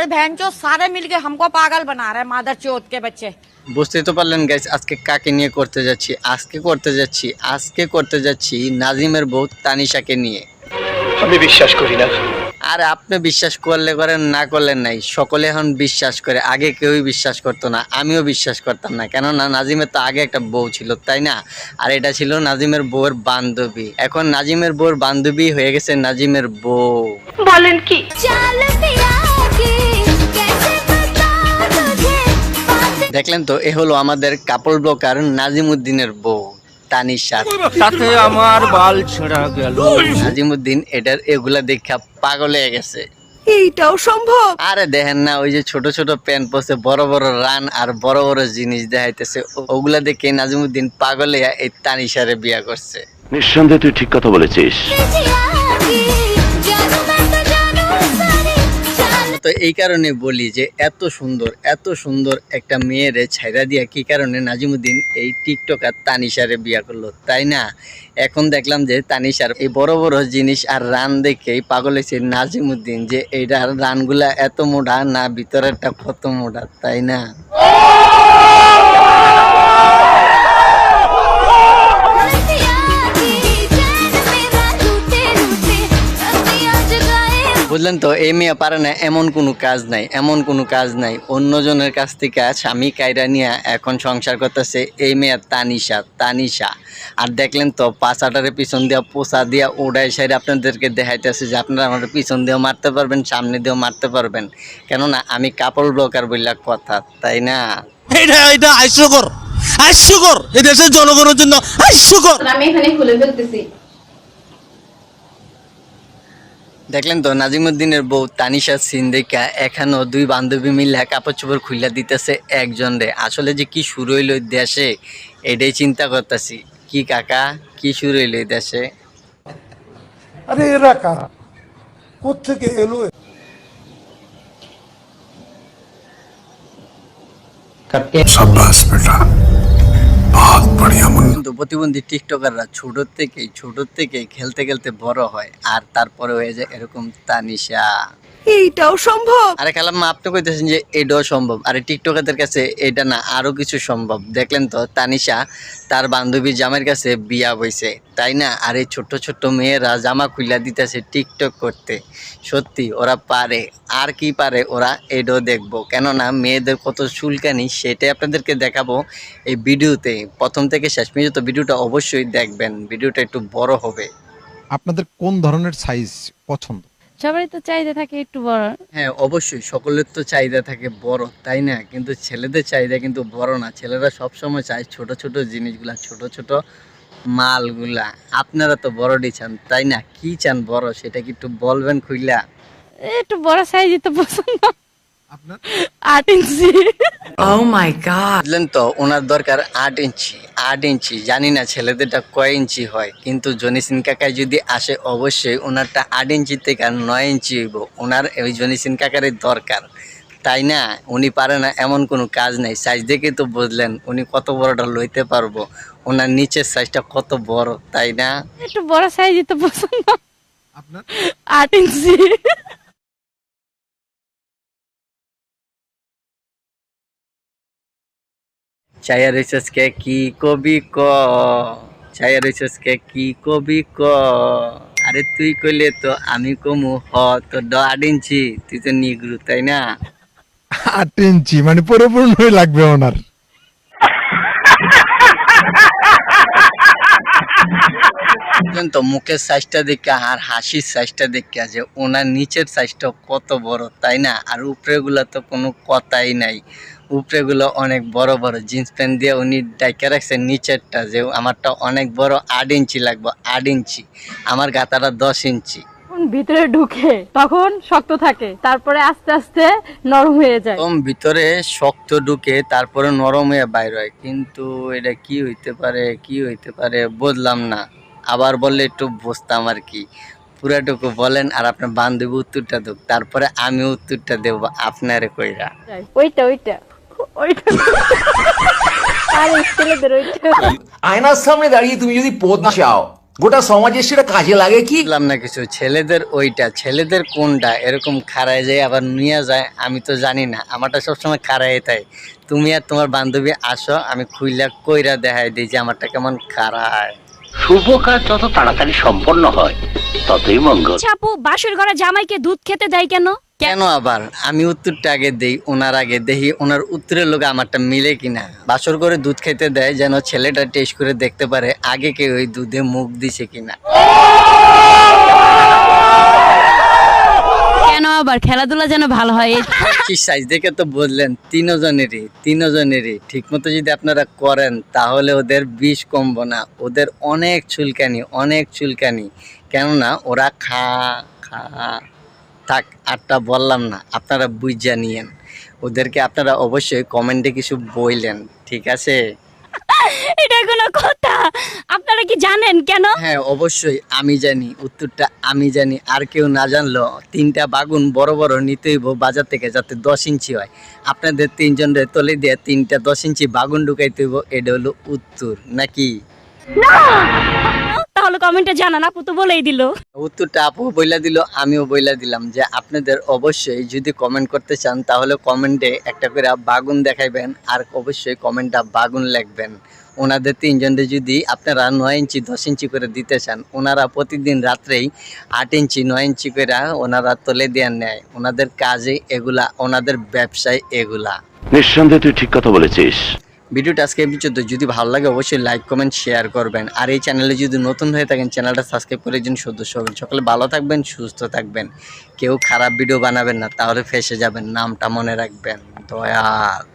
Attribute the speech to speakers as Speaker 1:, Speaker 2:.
Speaker 1: ये बहनचोद सारे मिलके हमको पागल बना रहे हैं मादर चोद के बच्चे।
Speaker 2: বুঝতেই তো পারলেন গাইস, আজকে কাকে নিয়ে করতে যাচ্ছি। আজকে করতে যাচ্ছি নাজিমের বউ তানিশাকে নিয়ে।
Speaker 3: আমি বিশ্বাস করি না।
Speaker 2: আর আপনি বিশ্বাস করলে করেন, না করলেন নাই, সকলে এখন বিশ্বাস করে। আগে কেউই বিশ্বাস করতো না, আমিও বিশ্বাস করতাম না, কেননা নাজিমের তো আগে একটা বউ ছিল, তাই না? আর এটা ছিল নাজিমের বউয়ের বান্ধবী। এখন নাজিমের বউয়ের বান্ধবী হয়ে গেছে নাজিমের বউ।
Speaker 4: বলেন কি?
Speaker 2: দেখলেন তো, এ হলো আমাদের কাপড় ব্লকার নাজিমুদ্দিনের বউ তানিশা।
Speaker 3: তাতে আমার বাল ছেঁড়া গেল।
Speaker 2: নাজিমুদ্দিন এগুলা দেখা পাগল হয়ে গেছে।
Speaker 4: এইটাও সম্ভব?
Speaker 2: আরে দেখেন না, ওই যে ছোট ছোট প্যান্ট পরছে, বড় বড় রান আর বড় বড় জিনিস দেখাইতেছে, ওগুলা দেখে নাজিমুদ্দিন পাগল হয়ে এই তানিশারে বিয়া করছে।
Speaker 5: নিঃসন্দেহে তুই ঠিক কথা বলেছিস।
Speaker 2: তো এই কারণে বলি যে এত সুন্দর একটা মেয়েরে ছাইরা দিয়া কি কারণে নাজিমুদ্দিন এই টিকটকার তানিশারে বিয়া করলো, তাই না? এখন দেখলাম যে তানিশার এই বড় বড় জিনিস আর রান দেখেই পাগল হয়েছে নাজিমুদ্দিন, যে এইটার রানগুলা এত মোটা না, ভিতরেরটা কত মোটা, তাই না? বুঝলেন তো, এই মেয়ে পারে না এমন কোনো কাজ নাই, অন্যজনের কাছ থেকে স্বামী কায়রা নিয়ে এখন সংসার করতেছে এই মেয়ে তানিশা। আর দেখলেন তো, পাছাটারে পিছন দিয়া পোষা দিয়া ওড়াই সাইড আপনাদেরকে দেখাইতেছে যে আপনারা আমার পিছন দিয়েও মারতে পারবেন, সামনে দিয়েও মারতে পারবেন, কেননা আমি কাপড় ব্লকার বললা কথা, তাই না?
Speaker 6: এটা হাস্যকর এই দেশের জনগণের জন্য হাস্যকর।
Speaker 7: আমি এখানে খুলে ফেলতেছি।
Speaker 2: দেখলেন তো, নাজিমুদ্দিনের বউ তানিশা সিন দেখা এখানেও দুই বান্ধবী মিলে কাপড় চোপড় খুইলা দিতেছে একজন রে। আসলে যে কি শুরু হইলো দেশে, এটাই চিন্তা করতেছি। কি কাকা, কি শুরু হইলো দেশে?
Speaker 8: আরে এরা কারা, কোত্থেকে এলো?
Speaker 9: शाबाश बेटा, बहुत बढ़िया मुन्ना।
Speaker 2: কিন্তু প্রতিবন্ধী টিকটকাররা ছোট থেকেই খেলতে খেলতে বড় হয়, আর তারপরে হয়ে যায় এরকম তানিশা।
Speaker 4: এইটাও সম্ভব?
Speaker 2: আরে খালাম্মা, আপনি কইতেছেন যে এটাও সম্ভব, আরে টিকটকারদের কাছে এটা না আরো কিছু সম্ভব। দেখলেন তো, তানিশা তার বান্ধবী জামাইয়ের কাছে বিয়া হইছে, তাই না? আর এই ছোট্ট ছোট্ট মেয়েরা জামা খুইলা দিতেছে টিকটক করতে। সত্যি ওরা পারে, আর কি পারে ওরা, এটাও দেখবো, কেননা মেয়েদের কত চুলকানি সেটাই আপনাদেরকে দেখাবো এই ভিডিওতে। প্রথম থেকে শেষ পর্যন্ত ভিডিওটা অবশ্যই দেখবেন, ভিডিওটা একটু বড় হবে।
Speaker 10: আপনাদের কোন ধরনের সাইজ পছন্দ?
Speaker 7: সবারই তো চাহিদা থাকে একটু বড়।
Speaker 2: হ্যাঁ অবশ্যই, সকলের তো চাহিদা থাকে বড়, তাই না? কিন্তু ছেলেদের চাহিদা কিন্তু বড় না, ছেলেরা সবসময় চায় ছোট ছোট জিনিসগুলা, ছোট ছোট মালগুলা। আপনারা তো বড়ডি চান, তাই না? কি চান বড়, সেটা কি একটু বলবেন খুইলা?
Speaker 7: একটু বড় সাইজই তো পছন্দ।
Speaker 10: আপনার
Speaker 7: 8 ইঞ্চি।
Speaker 2: বুঝলেন তো, ওনার দরকার 8 ইঞ্চি। জানি না ছেলেদেরটা কয় ইঞ্চি হয়, কিন্তু জনিসিন কাকায় যদি আসে অবশ্যই ওনারটা 8 ইঞ্চি থেকে 9 ইঞ্চি হইব। ওনার ওই জনিসিন কাকারের দরকার, তাই না? উনি পারে না এমন কোনো কাজ নাই। সাইজ দেখে তো বুঝলেন উনি কত বড়টা লইতে পারবো, ওনার নিচের সাইজটা কত বড়, তাই না?
Speaker 7: একটু বড় সাইজই তো পছন্দ।
Speaker 10: আপনার
Speaker 7: 8 ইঞ্চি।
Speaker 2: চাইয়া রইছস কে কি কবি ক, চাইয়া রইছস কে কি কবি ক। আরে তুই কইলে তো আমি কমু হ, তো 8 ইঞ্চি, তুই তো নিগ্রু, তাই না?
Speaker 10: 8 ইঞ্চি মানে পরিপূর্ণই লাগবে ওনার।
Speaker 2: তো মুখের সাইজটা দেখে আর হাসির সাইজটা দেখে যে ওনার নিচের সাইজটা কত বড়, তাই না? আর উপরেগুলো তো কোনো কথাই নাই, উপরেগুলো অনেক বড় বড়। জিন্স প্যান্ট দিয়ে উনি ডাইকা রাখছেন নিচেরটা, যে আমারটা অনেক বড়, 8 ইঞ্চি লাগবে, 8 ইঞ্চি। আমার গাতাটা 10 ইঞ্চি।
Speaker 7: ভিতরে ঢুকে তখন শক্ত থাকে, তারপরে আস্তে আস্তে নরম হয়ে যায়।
Speaker 2: ভিতরে শক্ত ঢুকে তারপরে নরম হয়ে বাইর হয়, কিন্তু এটা কি হইতে পারে বুঝলাম না। আবার বললে একটু বুঝতাম আর কি। পুরাটুকু বলেন, আর আপনার বান্ধবী উত্তরটা দেব, তারপরে আমি উত্তরটা দেব আপনারে কইরা।
Speaker 7: ওইটা আর ছেলেদের ওইটা।
Speaker 3: আয়নার সামনে দাঁড়িয়ে তুমি যদি পদ চাও, গোটা সমাজে সেটা কাজে লাগে কি?
Speaker 2: বুঝলাম না কিছু, ছেলেদের ওইটা, ছেলেদের কোনটা এরকম খাড়ায় যায় আবার নিয়ে যায়, আমি তো জানি না। আমারটা সবসময় খাড়ায় তাই। তুমি আর তোমার বান্ধবী আসো, আমি খুইলা কইরা দেখাই দিই যে আমারটা কেমন খাড়ায়।
Speaker 5: শুভ কাজ যত তাড়াতাড়ি সম্পন্ন হয় ততই মঙ্গল।
Speaker 7: আপু বাসর ঘরে জামাইকে দুধ খেতে দেয় কেন?
Speaker 2: কেন আবার আমি উত্তরটা আগে দেই, ওনার আগে দেখি ওনার উত্তরের লোক আমারটা মিলে কিনা। বাসর করে দুধ খেতে দেয় যেন ছেলেটা টেস্ট করে দেখতে পারে আগে কেউ ওই দুধে মুখ দিছে কিনা।
Speaker 7: কেন আবার খেলাধুলা যেন ভালো হয়।
Speaker 2: কি সাইজ দেখে তো বললেন তিনজনেরই ঠিক মতো যদি আপনারা করেন তাহলে ওদের বিষ কমবো না। ওদের অনেক চুলকানি, কেননা ওরা থাক আটটা বললাম না, আপনারা বুঝা নিয়েন। ওদেরকে আপনারা অবশ্যই কমেন্টে কিছু বললেন, ঠিক আছে?
Speaker 7: এটা কোনো কথা? আপনারা কি জানেন কেন?
Speaker 2: হ্যাঁ অবশ্যই আমি জানি, উত্তরটা আমি জানি। আর কেউ না জানলো 3টা বাগুন বড় বড় নিতে হইব বাজার থেকে, যাতে 10 ইঞ্চি হয়। আপনাদের 3 জনের তলে দিয়ে 3টা 10 ইঞ্চি বাগুন ঢুকাইতে হইব, এটা হলো উত্তর নাকি?
Speaker 7: তাহলে কমেন্টে জানান, আপু তো বলেই দিল।
Speaker 2: উত্তরটা আপু বইলা দিল, আমিও বইলা দিলাম যে আপনাদের অবশ্যই যদি কমেন্ট করতে চান তাহলে কমেন্টে একটা করে বাগুন দেখাইবেন, আর অবশ্যই কমেন্টটা বাগুন লিখবেন। ওনাদের 3 জনের যদি আপনারা 9 ইঞ্চি 10 ইঞ্চি করে দিতে চান, ওনারা প্রতিদিন রাত্রেই 8 ইঞ্চি 9 ইঞ্চি করে ওনারা তলে দিয়ে নেয়। ওনাদের কাজে এগুলা, ওনাদের ব্যবসায় এগুলা।
Speaker 5: নিঃসন্দেহে তুই ঠিক কথা বলেছিস।
Speaker 2: ভিডিওটা আজকে এই পর্যন্ত। যদি ভালো লাগে অবশ্যই লাইক কমেন্ট শেয়ার করবেন, আর এই চ্যানেলে যদি নতুন হয়ে থাকেন চ্যানেলটা সাবস্ক্রাইব করে একজন সদস্য হবেন। সকলে ভালো থাকবেন, সুস্থ থাকবেন, কেউ খারাপ ভিডিও বানাবেন না, তাহলে ফেসে যাবেন। নামটা মনে রাখবেন, দয়াল।